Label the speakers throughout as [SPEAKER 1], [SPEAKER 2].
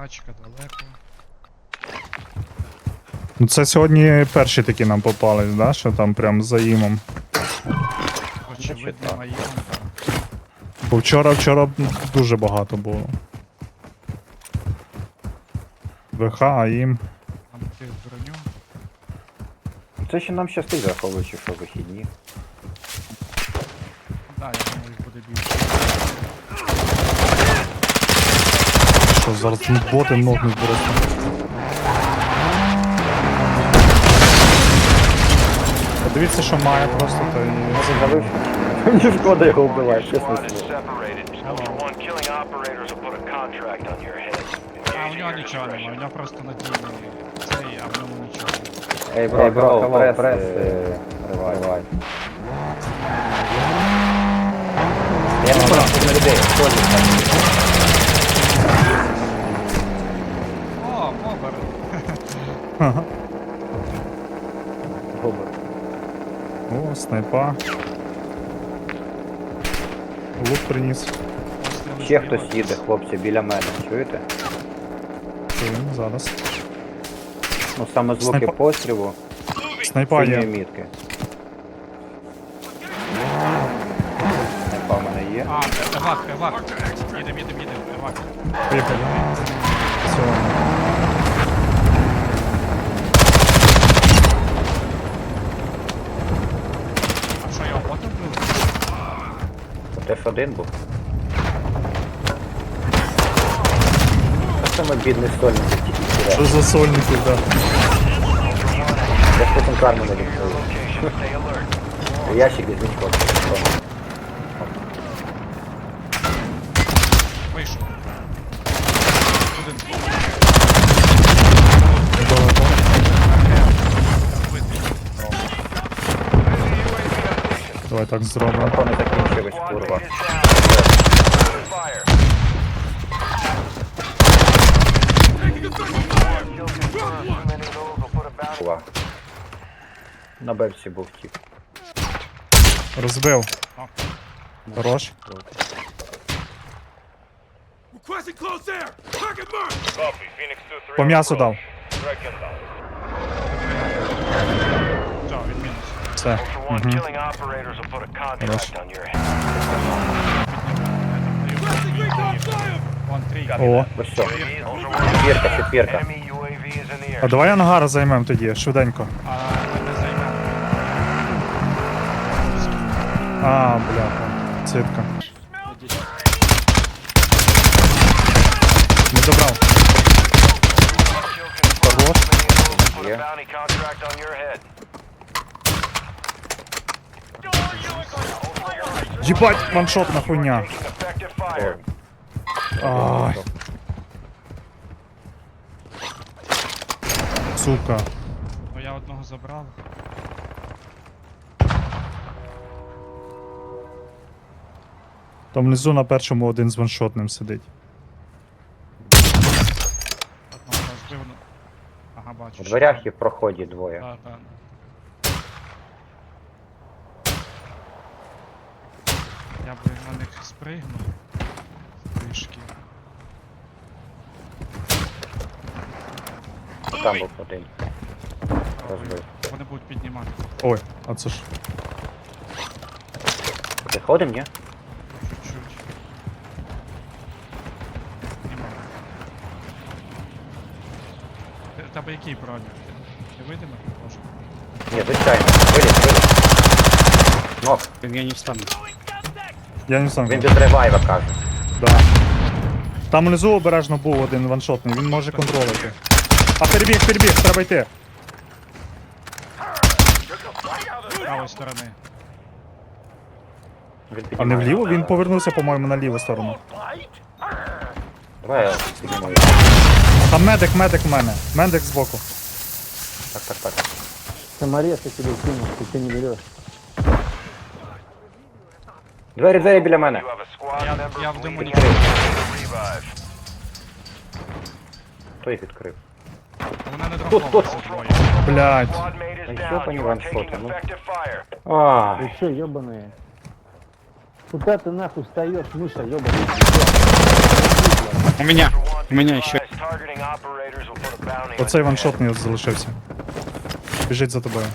[SPEAKER 1] Тачка далеко.
[SPEAKER 2] Ну це сьогодні перші такі нам попались, да? Що там прям за імом.
[SPEAKER 1] Очевидно, моєму.
[SPEAKER 2] Бо вчора дуже багато було. ВХ, АІМ.
[SPEAKER 1] Там ти броню.
[SPEAKER 3] Це ще нам щастить, враховуючи, що вихідні.
[SPEAKER 1] Да, я думаю, їх буде більше.
[SPEAKER 2] Що зараз тут боти ногнуть просто. Подивіться, що має просто, то і...
[SPEAKER 3] Може завив? Мені шкода його вбиває, чесно слово.
[SPEAKER 1] А у нього нічого немає, у нього просто надійний цей, а в ньому нічого.
[SPEAKER 3] Ей, бро, прес, ривай. Я не понял, на людей, хто ж так?
[SPEAKER 1] О, бобер!
[SPEAKER 2] Ага.
[SPEAKER 3] Губер.
[SPEAKER 2] О, снайпа. Лук приніс.
[SPEAKER 1] Постріли
[SPEAKER 3] Ще
[SPEAKER 1] зліва.
[SPEAKER 3] хтось їде, хлопці, біля мене, чуєте?
[SPEAKER 2] Чуємо зараз.
[SPEAKER 3] Ну саме звуки
[SPEAKER 2] Снайпа-
[SPEAKER 3] пострілу,
[SPEAKER 2] Снайпа
[SPEAKER 3] синьої
[SPEAKER 2] є.
[SPEAKER 3] мітки. Снайпа в мене є.
[SPEAKER 1] А, евак. Їдем, евак.
[SPEAKER 2] Поїхали. Все.
[SPEAKER 1] А що, його потім вбили?
[SPEAKER 3] Теж один був. Та саме бідний стольник тільки
[SPEAKER 2] Що
[SPEAKER 3] сюди.
[SPEAKER 2] за сольники, да?
[SPEAKER 3] Я ж потім карму не відкрию. Ящик візьміть хлопці.
[SPEAKER 1] Вийшов. Один.
[SPEAKER 2] Недалеко.
[SPEAKER 1] Вбитий.
[SPEAKER 2] Давай так зробимо.
[SPEAKER 3] Патрони закінчились, курва. Курва. На бельці був тип.
[SPEAKER 2] Розбив.
[SPEAKER 1] О.
[SPEAKER 2] Хорош.
[SPEAKER 4] Requesting close air! Target mark!
[SPEAKER 5] Copy. Phoenix 2-3.
[SPEAKER 2] По м'ясу дав.
[SPEAKER 5] Track inbound.
[SPEAKER 1] Все, він мінус.
[SPEAKER 2] Все.
[SPEAKER 5] Ultra One,
[SPEAKER 2] Угу.
[SPEAKER 5] killing operators will put a contract on your head.
[SPEAKER 4] Requesting recon fire!
[SPEAKER 1] Вон трійка.
[SPEAKER 2] О.
[SPEAKER 3] Ось що.
[SPEAKER 5] UAV, Ultra One,
[SPEAKER 3] Четвірка.
[SPEAKER 5] enemy UAV is in the
[SPEAKER 2] А
[SPEAKER 5] air.
[SPEAKER 2] давай ангар займемо тоді, швиденько.
[SPEAKER 1] А ми не займемо.
[SPEAKER 2] А, бляха. Цитка. Не добрав. Хорош.
[SPEAKER 5] Put a
[SPEAKER 3] Yeah.
[SPEAKER 5] bounty contract on your head.
[SPEAKER 2] Єбать, ваншотна хуйня.
[SPEAKER 5] Taking effective fire.
[SPEAKER 2] Ай. Сука.
[SPEAKER 1] Ну я одного забрав.
[SPEAKER 2] Там внизу на першому один з ваншотним сидить.
[SPEAKER 1] Одного розбив. Ну. Ага, бачу.
[SPEAKER 3] У дверях і в проході двоє.
[SPEAKER 1] Так, так. Я би на них спригнув. Трішки.
[SPEAKER 3] Там був один. Розбив.
[SPEAKER 1] Вони будуть піднімати.
[SPEAKER 2] Ой, а це ж.
[SPEAKER 3] Виходим, ні?
[SPEAKER 1] Чуть-чуть. Піднімали. Тебе який броню? Ти видимо? Може.
[SPEAKER 3] Ні, звичайно. Виліз. Нок.
[SPEAKER 2] Я не сам.
[SPEAKER 3] Він без ревайва каже.
[SPEAKER 2] Да. Там внизу обережно був один ваншотний, він може контролити. А перебіг, треба йти.
[SPEAKER 1] З правої сторони.
[SPEAKER 3] Він
[SPEAKER 2] А не
[SPEAKER 3] піднімає.
[SPEAKER 2] вліво? Він повернувся, по-моєму, на ліву сторону.
[SPEAKER 3] Давай я піднімаю.
[SPEAKER 2] Там медик в мене. Медик збоку.
[SPEAKER 3] Так.
[SPEAKER 6] Саморез я тебе кинул, ты что не берешь?
[SPEAKER 3] Двері біля мене.
[SPEAKER 5] You have a squad member
[SPEAKER 1] Я в диму не
[SPEAKER 5] bleeding out. Revive.
[SPEAKER 3] Хто їх відкрив?
[SPEAKER 1] Вона не дропнулася двоє.
[SPEAKER 2] Блядь.
[SPEAKER 5] Squad mate is
[SPEAKER 3] Ай,
[SPEAKER 5] down.
[SPEAKER 3] ёбаный
[SPEAKER 5] You are
[SPEAKER 3] ваншоты,
[SPEAKER 5] taking
[SPEAKER 3] ну.
[SPEAKER 5] effective fire.
[SPEAKER 3] А,
[SPEAKER 6] Ты что, ебаные? Куда ты нахуй встаешь, мыша, ебаная?
[SPEAKER 5] Ultra One, Be
[SPEAKER 7] Меня ще.
[SPEAKER 5] advised, targeting operators will put a bounty on
[SPEAKER 2] Оцей
[SPEAKER 5] your head.
[SPEAKER 2] ваншотний залишився. Біжить за тобою.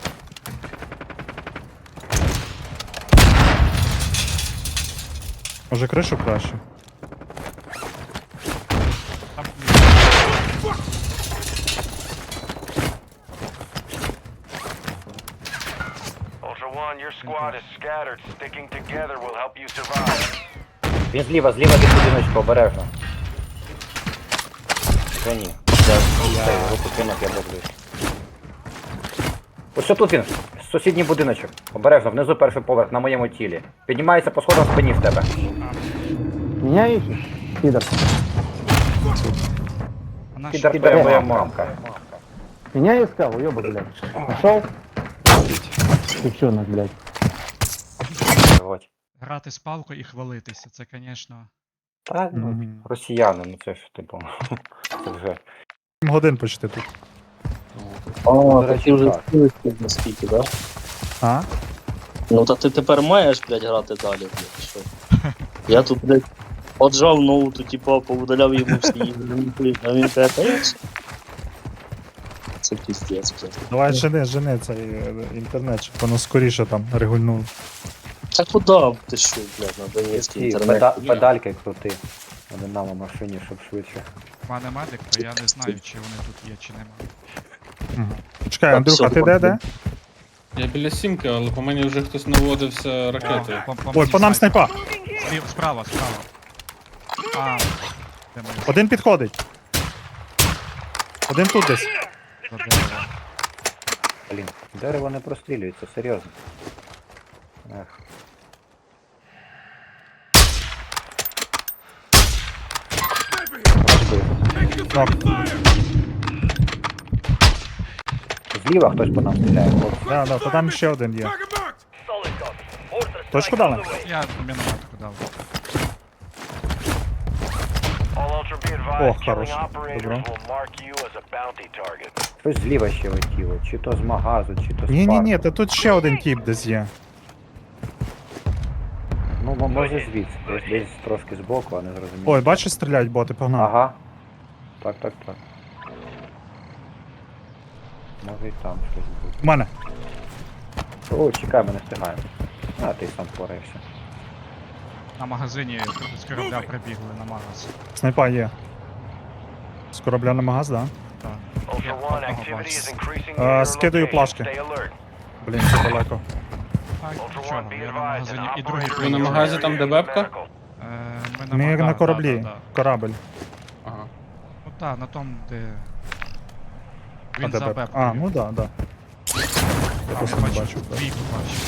[SPEAKER 2] Може кришу краще?
[SPEAKER 1] Там
[SPEAKER 5] Ultra One, your squad is scattered. Sticking together will help you survive.
[SPEAKER 3] Він зліва від будиночку, обережно. Та ні. Цей, руку кинув, я дивлюсь. Ось що тут він. Сусідній будиночок. Обережно, внизу перший поверх, на моєму тілі. Піднімається по сходам в спині в тебе.
[SPEAKER 6] Меня ищешь? Пидор.
[SPEAKER 1] вона ж
[SPEAKER 3] Підер моя мамка.
[SPEAKER 6] Меня искал, уёбок, блядь. Нашел? Девчонок, блядь.
[SPEAKER 3] От.
[SPEAKER 1] грати з палкою і хвалитися, це, звісно.
[SPEAKER 3] Та, ну,
[SPEAKER 2] Мгм.
[SPEAKER 3] росіяни, ну це ж типу. Це вже.
[SPEAKER 2] 7 годин почти тут.
[SPEAKER 8] О,
[SPEAKER 3] До
[SPEAKER 8] так
[SPEAKER 3] речі,
[SPEAKER 8] ти вже
[SPEAKER 3] так.
[SPEAKER 8] скільки наскільки, да?
[SPEAKER 2] А?
[SPEAKER 8] Ну та ти тепер маєш, блядь, грати далі, блядь, що? Я тут, блядь, отжав ноуту, типа, повидаляв йому всі ігри, а він каже, та я все. Це піздець, блядь.
[SPEAKER 2] Давай жени цей інтернет, щоб воно скоріше там регульнуло.
[SPEAKER 8] Та куди ти що, блядь, на Донецький
[SPEAKER 3] Ці
[SPEAKER 8] інтернет?
[SPEAKER 3] педальки крути. Вони нам у машині, щоб швидше.
[SPEAKER 1] В мене медик, то я не знаю, чи вони тут є, чи нема.
[SPEAKER 2] Чекай,
[SPEAKER 8] Так,
[SPEAKER 2] Андрюха,
[SPEAKER 8] все,
[SPEAKER 2] ти де?
[SPEAKER 7] Я біля сімки, але по мені вже хтось наводився ракетою.
[SPEAKER 2] Ой, по нам снайпа.
[SPEAKER 1] Справа. А, де ми?
[SPEAKER 2] Один підходить. Один тут десь.
[SPEAKER 1] За деревом.
[SPEAKER 3] Блін, дерево не прострілюється, серйозно. Ех.
[SPEAKER 2] Так,
[SPEAKER 3] Зліва хтось по нам стріляє, хлопці.
[SPEAKER 2] да, то там ще один є.
[SPEAKER 4] Target marked.
[SPEAKER 2] Точку дали?
[SPEAKER 1] Я мінометку дав.
[SPEAKER 5] All Ultra be
[SPEAKER 2] О,
[SPEAKER 5] advised, killing
[SPEAKER 2] хорош.
[SPEAKER 5] operators
[SPEAKER 2] Добро.
[SPEAKER 5] will mark you as a bounty target.
[SPEAKER 3] Щось зліва ще летіло, чи то з магазу, чи то з
[SPEAKER 2] Ні,
[SPEAKER 3] парку.
[SPEAKER 2] та тут ще один тип десь є.
[SPEAKER 3] Ну, може звідси, десь трошки збоку, а не зрозуміло.
[SPEAKER 2] Ой, бачиш, стріляють боти, погнали.
[SPEAKER 3] Ага. Так. Може і там щось буде.
[SPEAKER 2] У мене.
[SPEAKER 3] О, чекай, ми не встигаємо. А, ти сам впораєшся.
[SPEAKER 1] На магазині з корабля прибігли на магаз.
[SPEAKER 2] Снайпа є. З корабля на магаз, да?
[SPEAKER 1] Так.
[SPEAKER 5] Ultra
[SPEAKER 1] Я
[SPEAKER 5] One,
[SPEAKER 1] одного
[SPEAKER 5] activity
[SPEAKER 1] бачу.
[SPEAKER 5] is increasing near your
[SPEAKER 2] скидаю
[SPEAKER 5] location.
[SPEAKER 2] плашки.
[SPEAKER 5] Stay alert.
[SPEAKER 2] Блін, це далеко.
[SPEAKER 1] А,
[SPEAKER 5] Ultra
[SPEAKER 1] нічого,
[SPEAKER 5] One, be
[SPEAKER 1] я на
[SPEAKER 5] advised,
[SPEAKER 1] магазині.
[SPEAKER 5] an
[SPEAKER 1] І другий
[SPEAKER 5] operator
[SPEAKER 7] Ви на
[SPEAKER 5] in your
[SPEAKER 7] магазі, там,
[SPEAKER 5] area
[SPEAKER 7] де
[SPEAKER 5] needs
[SPEAKER 7] бебка?
[SPEAKER 5] medical.
[SPEAKER 2] Ми на кораблі.
[SPEAKER 1] Да.
[SPEAKER 2] Корабль.
[SPEAKER 7] Ага.
[SPEAKER 1] Ну так, на тому, де.
[SPEAKER 2] А,
[SPEAKER 1] Він
[SPEAKER 2] де
[SPEAKER 1] за
[SPEAKER 2] беб?
[SPEAKER 1] бебкою.
[SPEAKER 2] А, ну да. Я
[SPEAKER 1] А,
[SPEAKER 2] просто
[SPEAKER 1] я
[SPEAKER 2] не
[SPEAKER 1] бачу,
[SPEAKER 2] бачу.
[SPEAKER 1] двійку бачу.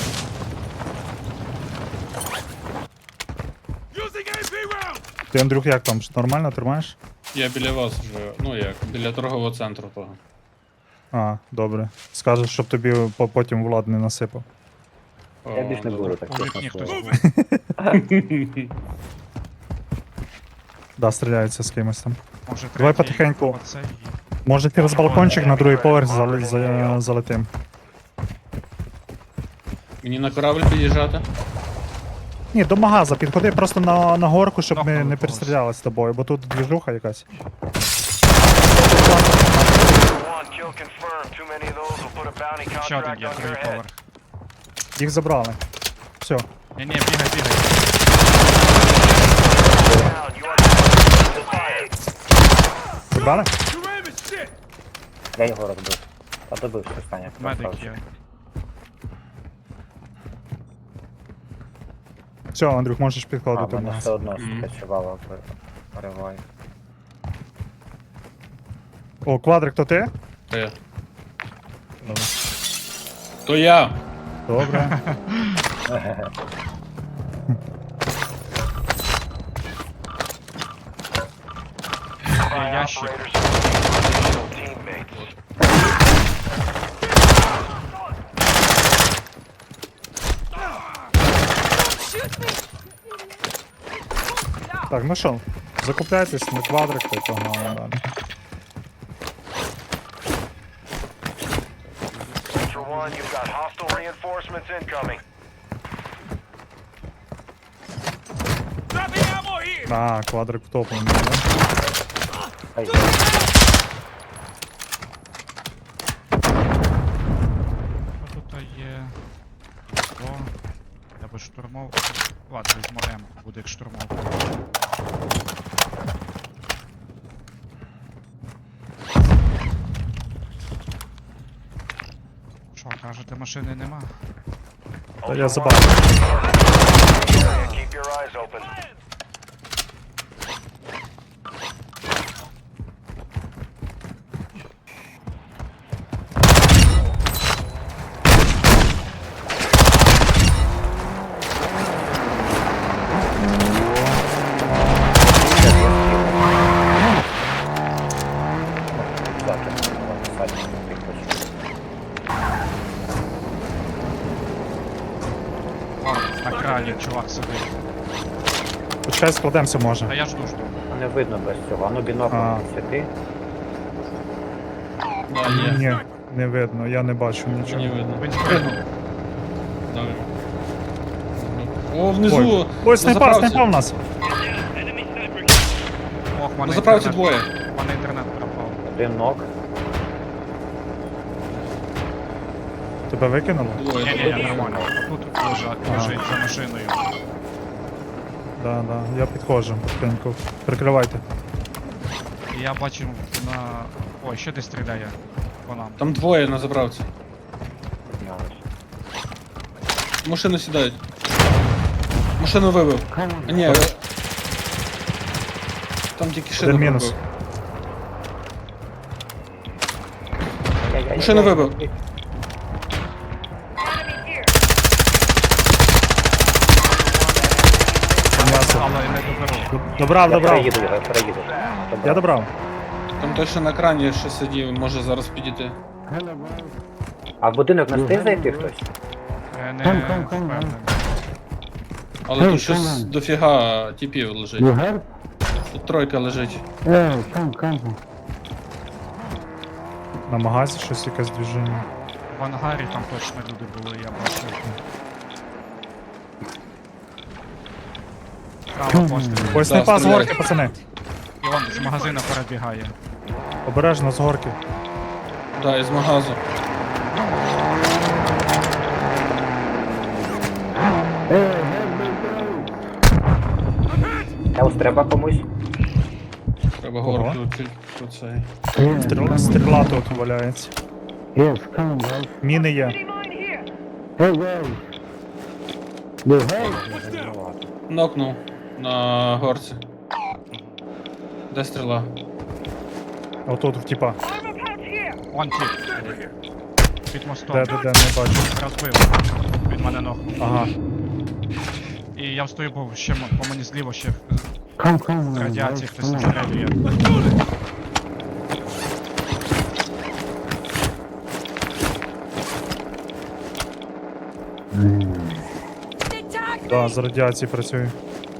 [SPEAKER 4] Using AP round.
[SPEAKER 2] Ти, Андрюх, як там? Нормально тримаєш?
[SPEAKER 7] Я біля вас вже, ну як, біля торгового центру того.
[SPEAKER 2] А, добре. Скажеш, щоб тобі потім Влад не насипав.
[SPEAKER 3] Я більш не буду так
[SPEAKER 1] У вікні
[SPEAKER 3] чесно
[SPEAKER 1] хтось
[SPEAKER 3] слово.
[SPEAKER 1] був.
[SPEAKER 2] Да, стріляються з кимось там.
[SPEAKER 1] Може,
[SPEAKER 2] Давай
[SPEAKER 1] третій,
[SPEAKER 2] потихеньку.
[SPEAKER 1] оцей і-
[SPEAKER 2] Може через балкончик на другий поверх залетим.
[SPEAKER 7] Мені на корабль під'їжджати?
[SPEAKER 2] Ні, до магаза підходи просто на горку, щоб ми
[SPEAKER 1] Нокнули
[SPEAKER 2] не
[SPEAKER 1] когось.
[SPEAKER 2] перестріляли з тобою, бо тут двіжуха якась.
[SPEAKER 5] Ultra One, kill confirmed. Too many of those will put a bounty
[SPEAKER 1] Ще один
[SPEAKER 5] contract
[SPEAKER 1] є,
[SPEAKER 5] on your
[SPEAKER 1] другий
[SPEAKER 5] head.
[SPEAKER 1] поверх.
[SPEAKER 2] Їх забрали. Все.
[SPEAKER 1] Ні, бігай.
[SPEAKER 5] Down, you are under fire.
[SPEAKER 2] Забрали?
[SPEAKER 4] Your aim is shit.
[SPEAKER 3] Я його розбив. Та добив що Саня.
[SPEAKER 1] Медик
[SPEAKER 3] красавчик.
[SPEAKER 1] є.
[SPEAKER 2] Все, Андрюх, можеш
[SPEAKER 3] А,
[SPEAKER 2] підходити в
[SPEAKER 3] мене
[SPEAKER 2] магаз.
[SPEAKER 3] все одно скачувало переваю.
[SPEAKER 2] О, квадрик, то ти?
[SPEAKER 7] То я. То я!
[SPEAKER 2] Добре.
[SPEAKER 5] By
[SPEAKER 1] ящик.
[SPEAKER 5] operators who are additional teammates.
[SPEAKER 2] Так, ну що, закупляйтесь на квадрик, то й погнали далі.
[SPEAKER 5] Ultra One, you've got hostile reinforcements incoming.
[SPEAKER 4] Dropping ammo here.
[SPEAKER 2] А, квадрик втоплений, да?
[SPEAKER 3] Хай.
[SPEAKER 1] А тут є. О, я би штурмов. Ладно, візьму М, буде як штурмов. Що, кажете, машини нема?
[SPEAKER 2] Та я забрав.
[SPEAKER 5] Keep your eyes open.
[SPEAKER 1] О, на крані чувак сидить.
[SPEAKER 2] Почекай, складемося може.
[SPEAKER 1] Та я жду.
[SPEAKER 3] Не видно без цього. Ану бінокль
[SPEAKER 2] А.
[SPEAKER 3] світи.
[SPEAKER 7] Да, є.
[SPEAKER 2] Ні, не видно, я не бачу нічого.
[SPEAKER 7] Не видно.
[SPEAKER 1] Він спригнув.
[SPEAKER 7] Добре. О, внизу!
[SPEAKER 2] Ой, ой,
[SPEAKER 7] на
[SPEAKER 2] снайпа,
[SPEAKER 7] заправці.
[SPEAKER 2] снайпа в нас.
[SPEAKER 1] Ох, в мене
[SPEAKER 7] На заправці
[SPEAKER 1] інтернет-
[SPEAKER 7] двоє.
[SPEAKER 1] в мене інтернет пропав.
[SPEAKER 3] Один нок.
[SPEAKER 2] Тебе викинуло?
[SPEAKER 7] Двоє.
[SPEAKER 1] Ні, нормально. Тут лежить за машиною.
[SPEAKER 2] Да, да, я підходжу потихеньку. Прикривайте.
[SPEAKER 1] І я бачив на. Ой, ще десь стріляє по нам.
[SPEAKER 7] Там двоє на заправці. В машину сідають. Машину вибив. А, ні. Там тільки шину
[SPEAKER 2] Один мінус.
[SPEAKER 7] вибив. Машину вибив.
[SPEAKER 2] М'ясо.
[SPEAKER 1] Але не доберу.
[SPEAKER 2] Добрав,
[SPEAKER 3] Я
[SPEAKER 2] добрав.
[SPEAKER 3] переїду його, переїду.
[SPEAKER 2] Я добрав.
[SPEAKER 7] Там той, що на крані ще сидів, може зараз підійти.
[SPEAKER 3] А в будинок не встиг зайти хтось?
[SPEAKER 1] Не
[SPEAKER 6] Кам.
[SPEAKER 1] впевнений.
[SPEAKER 7] Але
[SPEAKER 6] Ей,
[SPEAKER 7] тут щось
[SPEAKER 6] come on.
[SPEAKER 7] дофіга типів лежить.
[SPEAKER 6] You help?
[SPEAKER 7] Тут тройка лежить.
[SPEAKER 6] Come.
[SPEAKER 2] На магазі щось якесь движення.
[SPEAKER 1] В ангарі там точно люди були, я бачив. Право постріл.
[SPEAKER 2] Ой, снайпа з
[SPEAKER 7] стріляй.
[SPEAKER 2] горки, пацани.
[SPEAKER 1] І он з магазина перебігає.
[SPEAKER 2] Обережно з горки.
[SPEAKER 7] Да, із магазу.
[SPEAKER 3] Елс треба комусь?
[SPEAKER 7] Треба
[SPEAKER 2] Ого.
[SPEAKER 7] горку тут цей.
[SPEAKER 2] Стріла тут валяється.
[SPEAKER 6] Yes, come, guys.
[SPEAKER 2] Міни є.
[SPEAKER 6] Hey, guys. You help?
[SPEAKER 7] Нокнув на горці. Де стріла?
[SPEAKER 2] Отут в тіпа.
[SPEAKER 1] Он тип. Під мостом.
[SPEAKER 2] Де, не бачу.
[SPEAKER 1] Розбив. Він мене нокнув.
[SPEAKER 2] Ага.
[SPEAKER 1] І я встою, бо ще по мені зліво ще
[SPEAKER 6] Come,
[SPEAKER 1] з радіації
[SPEAKER 6] guys,
[SPEAKER 1] хтось
[SPEAKER 6] come on.
[SPEAKER 1] настрелює.
[SPEAKER 2] Да, з радіації працюю.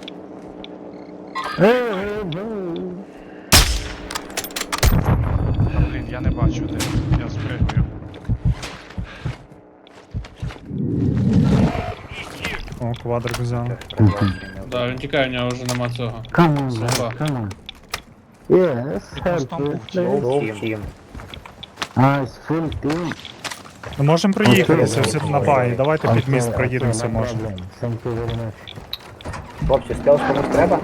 [SPEAKER 6] Hey, boy.
[SPEAKER 1] Та, блін, я не бачу де. Я спригую.
[SPEAKER 2] О, квадрик взяв.
[SPEAKER 7] Да, він тікає, у нього вже нема цього.
[SPEAKER 6] Come on, guys,
[SPEAKER 7] Слова.
[SPEAKER 6] come on. Yes,
[SPEAKER 1] Під
[SPEAKER 6] help
[SPEAKER 1] мостом був
[SPEAKER 6] me,
[SPEAKER 1] тіп.
[SPEAKER 6] please.
[SPEAKER 3] Був тім.
[SPEAKER 6] Nice, full team.
[SPEAKER 2] Ми можемо проїхатися
[SPEAKER 6] Окей.
[SPEAKER 2] всі на багі. Давайте під міст
[SPEAKER 6] Okay,
[SPEAKER 2] проїдемося,
[SPEAKER 6] no
[SPEAKER 2] може.
[SPEAKER 6] problem. Thank you very much.
[SPEAKER 3] Хлопці, стелс комусь треба?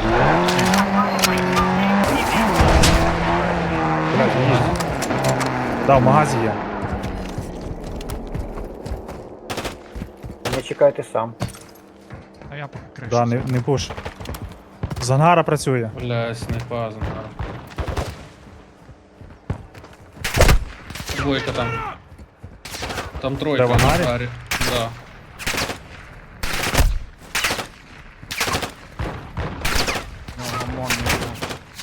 [SPEAKER 2] Да, в магазі є.
[SPEAKER 3] Не чекайте сам.
[SPEAKER 1] А я поки кришу.
[SPEAKER 2] Да, не пуш. З ангара працює.
[SPEAKER 7] Бля, снайпа зангара. Двойка там. Там тройка
[SPEAKER 2] Де, в ангарі?
[SPEAKER 7] на ангарі. Да.
[SPEAKER 1] Ну, ОМОН не було.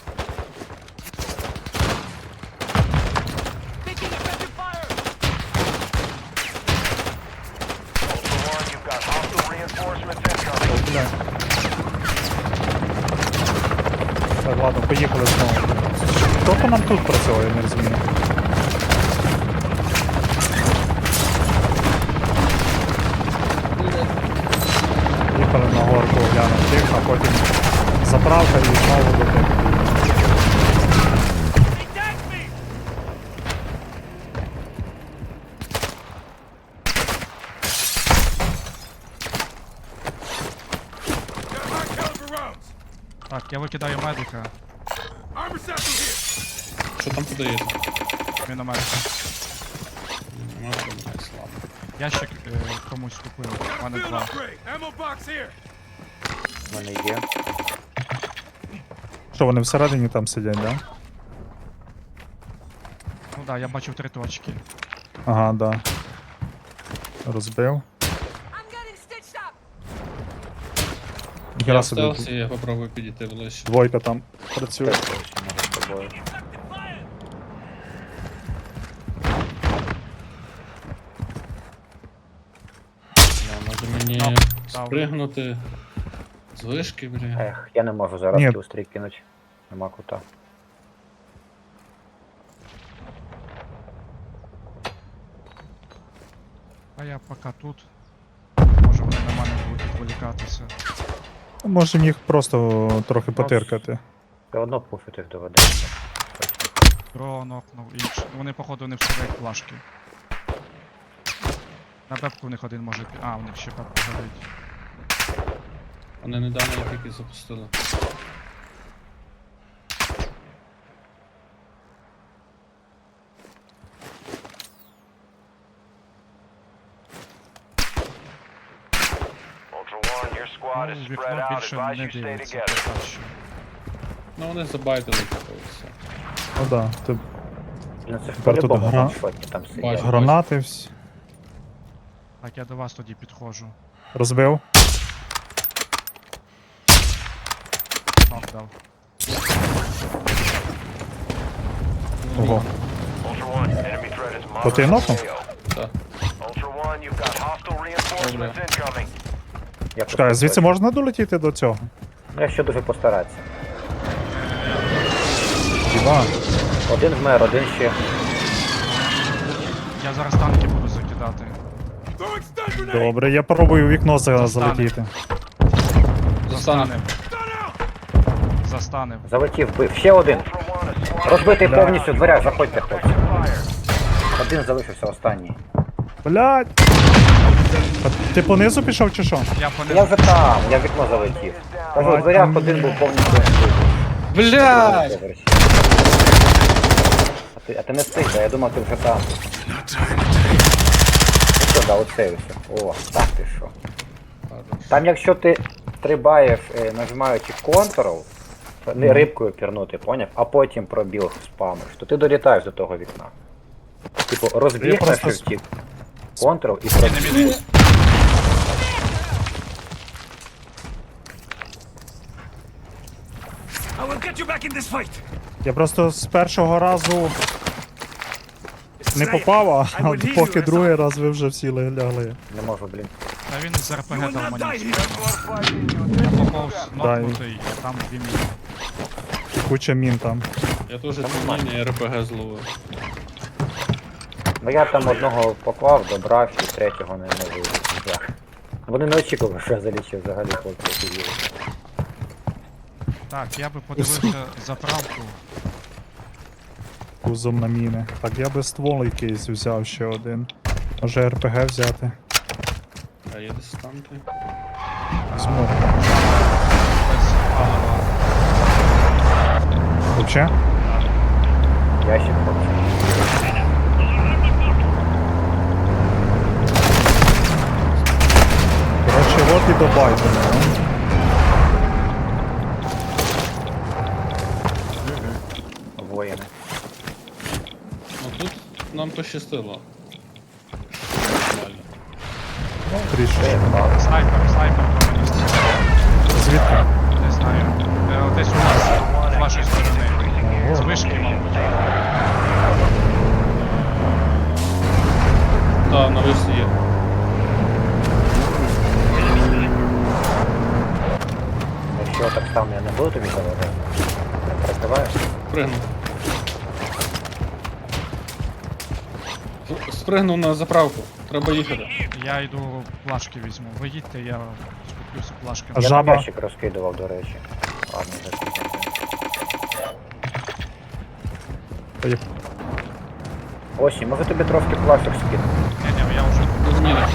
[SPEAKER 5] Ultra One, you've got hostile reinforcements incoming.
[SPEAKER 2] Бля. Так, ладно, поїхали знову. Хто по нам тут працює, я не розумію. Їхали на горку глянути тих, а потім заправка і знову до тих.
[SPEAKER 1] Так, я викидаю медика,
[SPEAKER 4] Armor satchel here.
[SPEAKER 7] Що там подаєте?
[SPEAKER 1] міномет.
[SPEAKER 7] Нема проблем, слабо.
[SPEAKER 1] Ящик комусь купив, у мене
[SPEAKER 4] Field
[SPEAKER 1] 2.
[SPEAKER 4] upgrade. Ammo box here.
[SPEAKER 3] У мене є.
[SPEAKER 2] Що, вони всередині там сидять, да?
[SPEAKER 1] Ну да, я бачив 3 точки.
[SPEAKER 2] Ага, да. Розбив.
[SPEAKER 7] Я
[SPEAKER 2] Ніхера
[SPEAKER 7] в
[SPEAKER 2] собі.
[SPEAKER 7] стелсі, я попробую підійти ближче.
[SPEAKER 2] Двойка там працює.
[SPEAKER 3] Може з тобою.
[SPEAKER 7] Може мені
[SPEAKER 1] Ну,
[SPEAKER 7] спригнути з вишки, бля.
[SPEAKER 3] Ех, я не можу зараз
[SPEAKER 2] Ні.
[SPEAKER 3] кілстрій кинути. Нема кута.
[SPEAKER 1] А я поки тут. Може вони на мене будуть відволікатися.
[SPEAKER 2] Можемо їх просто трохи потиркати.
[SPEAKER 3] Все одно пуфити їх доведеться.
[SPEAKER 1] Дрон окнув, інш. Вони походу не всувають плашки. На бебку в них один може А, у них ще бебка горить.
[SPEAKER 7] Вони недавно їх тільки запустили.
[SPEAKER 5] Ultra One, your squad is
[SPEAKER 1] Ну,
[SPEAKER 5] spread
[SPEAKER 1] вікно
[SPEAKER 5] out.
[SPEAKER 1] більше
[SPEAKER 5] Advise
[SPEAKER 1] не
[SPEAKER 5] you stay
[SPEAKER 1] дивиться,
[SPEAKER 5] together.
[SPEAKER 1] поки що.
[SPEAKER 7] Ну вони забайтили таке все.
[SPEAKER 2] Ну да, ти
[SPEAKER 3] Ну це ж
[SPEAKER 2] Тепер тут
[SPEAKER 3] по-любому
[SPEAKER 2] гра-
[SPEAKER 3] ваншотні там сидять.
[SPEAKER 7] Бачу.
[SPEAKER 2] гранати всі.
[SPEAKER 1] Так, я до вас тоді підходжу.
[SPEAKER 2] Розбив.
[SPEAKER 1] Нок дав.
[SPEAKER 2] Ого.
[SPEAKER 5] Ultra One, enemy threat is
[SPEAKER 2] То ти
[SPEAKER 5] moderate
[SPEAKER 2] нокнув?
[SPEAKER 5] AO.
[SPEAKER 7] Так.
[SPEAKER 5] Ultra One, you've got hostile reinforcements incoming.
[SPEAKER 3] Я
[SPEAKER 2] Чекай,
[SPEAKER 3] просто
[SPEAKER 2] звідси
[SPEAKER 3] хочу.
[SPEAKER 2] можна долетіти до цього?
[SPEAKER 3] Ну, якщо дуже постаратися.
[SPEAKER 2] Діва.
[SPEAKER 3] Один вмер, один ще.
[SPEAKER 1] Я зараз танки буду закидати.
[SPEAKER 4] Throwing stun grenade.
[SPEAKER 2] Добре, я пробую у вікно
[SPEAKER 1] Застане.
[SPEAKER 2] залетіти.
[SPEAKER 1] Застанем.
[SPEAKER 4] Stun out.
[SPEAKER 1] Застанем.
[SPEAKER 3] Залетів, бив. Ще один.
[SPEAKER 5] Ultra One, a squad
[SPEAKER 3] Розбитий
[SPEAKER 2] Бля.
[SPEAKER 3] повністю в дверях, заходьте, хлопці.
[SPEAKER 5] fire.
[SPEAKER 3] Один залишився останній.
[SPEAKER 2] Блядь! А ти понизу пішов чи що?
[SPEAKER 1] Я
[SPEAKER 3] Я
[SPEAKER 1] понизу.
[SPEAKER 3] вже там, я в вікно залетів. Кажу, в дверях один був повністю вбитий.
[SPEAKER 7] Блядь!
[SPEAKER 3] Поверсі. А ти не встиг, а я думав, ти вже там. Ну що, да, оце все. О, так ти що. Там якщо ти стрибаєш, нажимаючи Ctrl, не рибкою пірнути, поняв? А потім пробіг спамиш, то ти долітаєш до того вікна. Типу, розбіг на
[SPEAKER 2] просто
[SPEAKER 3] шифті, Ctrl і пробіг.
[SPEAKER 4] I will get you back in this fight.
[SPEAKER 2] Я просто з першого разу не попав, а от поки другий раз ви вже всі лягли.
[SPEAKER 3] Не можу, блін.
[SPEAKER 1] Та він з
[SPEAKER 4] You
[SPEAKER 1] РПГ
[SPEAKER 4] will
[SPEAKER 1] дав
[SPEAKER 4] not die
[SPEAKER 1] мені.
[SPEAKER 4] here.
[SPEAKER 1] Я поповз
[SPEAKER 2] Да,
[SPEAKER 1] нокнутий, а там 2 міни.
[SPEAKER 2] Куча мін там.
[SPEAKER 7] Я теж тримання РПГ зловив.
[SPEAKER 3] Ну я там одного поклав, добрав і третього не можу. Вони не очікували, що я залічив взагалі хлопці офігіли.
[SPEAKER 1] Так, я би подивився заправку.
[SPEAKER 2] Кузом на міни. Так, я би ствол якийсь взяв ще один. Може РПГ взяти.
[SPEAKER 7] А є десь танки?
[SPEAKER 2] Візьму.
[SPEAKER 1] Без палива.
[SPEAKER 2] Вообще?
[SPEAKER 3] Ящик хлопці.
[SPEAKER 2] Коротше, от і до Байдена.
[SPEAKER 3] Воїни.
[SPEAKER 7] Ну тут нам пощастило. Нормально.
[SPEAKER 2] Трішки.
[SPEAKER 1] Снайпер по мені стріляє.
[SPEAKER 2] Звідки?
[SPEAKER 1] Не знаю. Десь у нас, з вашої сторони. З вишки, мабуть.
[SPEAKER 7] Так, на вишці є.
[SPEAKER 3] Якщо так само я не буду тобі заважати, не перекриваєш?
[SPEAKER 7] Спригнув. Спригнув на заправку. Треба їхати.
[SPEAKER 1] Я йду плашки візьму. Ви їдьте, я скуплюся плашки.
[SPEAKER 2] А
[SPEAKER 3] Я
[SPEAKER 2] жаба?
[SPEAKER 3] ящик розкидував, до речі. Ладно, закидав.
[SPEAKER 2] Та я-
[SPEAKER 3] Осі, може тобі трошки пластик скинути?
[SPEAKER 1] Ні, я вже
[SPEAKER 7] Тут міна.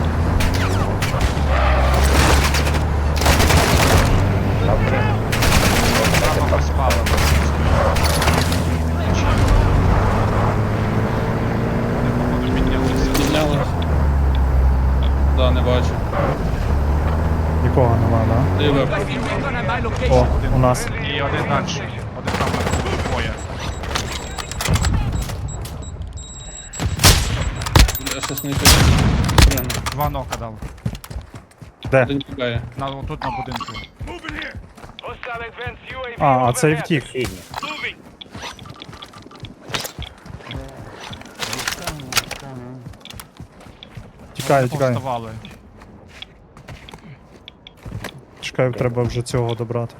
[SPEAKER 3] Добре.
[SPEAKER 1] Розпалили. Походу піднялися.
[SPEAKER 7] Підняли. Да, не бачу.
[SPEAKER 2] Нікого нема, да?
[SPEAKER 7] Ти вверх.
[SPEAKER 4] Placing recon at my location.
[SPEAKER 2] О, у нас.
[SPEAKER 1] І один далі. Один там на двоє.
[SPEAKER 7] Я щось не піду.
[SPEAKER 1] Два нока дав.
[SPEAKER 2] Де?
[SPEAKER 7] Один тікає.
[SPEAKER 1] Тут на будинку.
[SPEAKER 4] Moving here.
[SPEAKER 5] Hostile advanced UAV
[SPEAKER 2] А цей
[SPEAKER 5] overhead.
[SPEAKER 2] втік.
[SPEAKER 3] Сідні.
[SPEAKER 4] Moving.
[SPEAKER 2] Тікає, тікає.
[SPEAKER 1] Повставали.
[SPEAKER 2] Чекаю, треба вже цього добрати.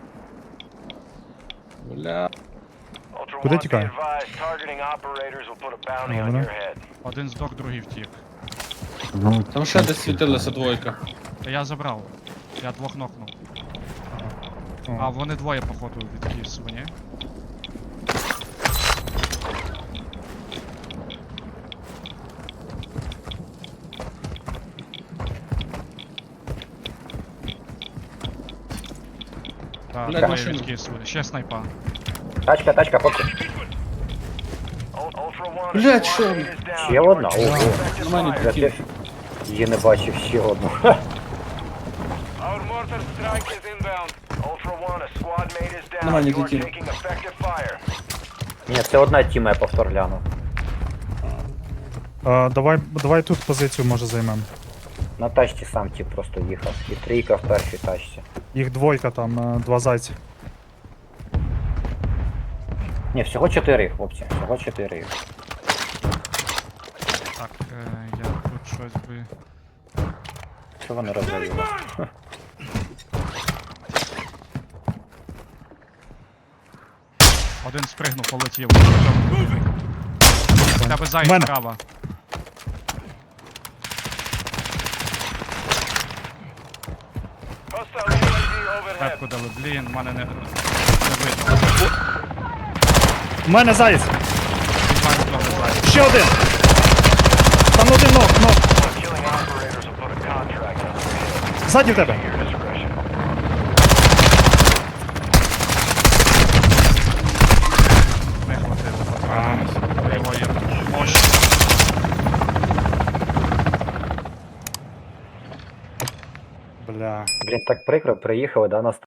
[SPEAKER 7] Бля.
[SPEAKER 5] Ultra
[SPEAKER 2] Куди
[SPEAKER 5] One, be
[SPEAKER 2] тікає?
[SPEAKER 5] advised, targeting operators will put a bounty on
[SPEAKER 2] Добре.
[SPEAKER 5] your head.
[SPEAKER 1] Один здох, другий втік.
[SPEAKER 6] Ну,
[SPEAKER 7] Там ще десь світилася двойка.
[SPEAKER 1] Та я забрав. Я двох нокнув.
[SPEAKER 2] О.
[SPEAKER 1] А вони двоє, походу, відкисувані. Так,
[SPEAKER 7] Блядь,
[SPEAKER 1] двоє
[SPEAKER 7] машина.
[SPEAKER 1] відкисувані. Ще снайпа.
[SPEAKER 3] Тачка, хлопці.
[SPEAKER 5] Ultra One,
[SPEAKER 7] Блядь,
[SPEAKER 5] squad
[SPEAKER 7] що?
[SPEAKER 5] mate is down.
[SPEAKER 3] Ще одна? Ого.
[SPEAKER 5] Effective
[SPEAKER 7] Нормально
[SPEAKER 5] fire.
[SPEAKER 3] Я
[SPEAKER 7] підкинув.
[SPEAKER 3] теж її не бачив ще одну.
[SPEAKER 5] Our mortar strike is inbound. Ultra One, a squad mate is down.
[SPEAKER 7] Нормально
[SPEAKER 5] You are
[SPEAKER 7] підкинув.
[SPEAKER 5] taking effective fire.
[SPEAKER 3] Ні, це одна тіма, я повтор гляну.
[SPEAKER 2] Давай тут позицію може займемо.
[SPEAKER 3] На тачці сам тип просто їхав. І трійка в першій тачці.
[SPEAKER 2] Їх двойка там, два зайці.
[SPEAKER 3] Ні, всього 4, хлопці. Всього 4.
[SPEAKER 1] Так, я тут щось би.
[SPEAKER 3] Що вони розвалили?
[SPEAKER 1] Один спригнув, полетів. В тебе зайць
[SPEAKER 2] Мене.
[SPEAKER 1] справа.
[SPEAKER 5] Hostile UAV overhead.
[SPEAKER 1] Пепку дали. Блін, мене не видно.
[SPEAKER 2] У мене заєць!
[SPEAKER 1] Від мене трохи зайць.
[SPEAKER 2] Ще один! Там один ног.
[SPEAKER 5] Killing operators will put a contract on your head.
[SPEAKER 2] Ззаді в тебе.
[SPEAKER 5] Your discretion.
[SPEAKER 1] Не хватило патронів. Його є мощь.
[SPEAKER 2] Бля.
[SPEAKER 3] Блін, так прикро, приїхали, да, нас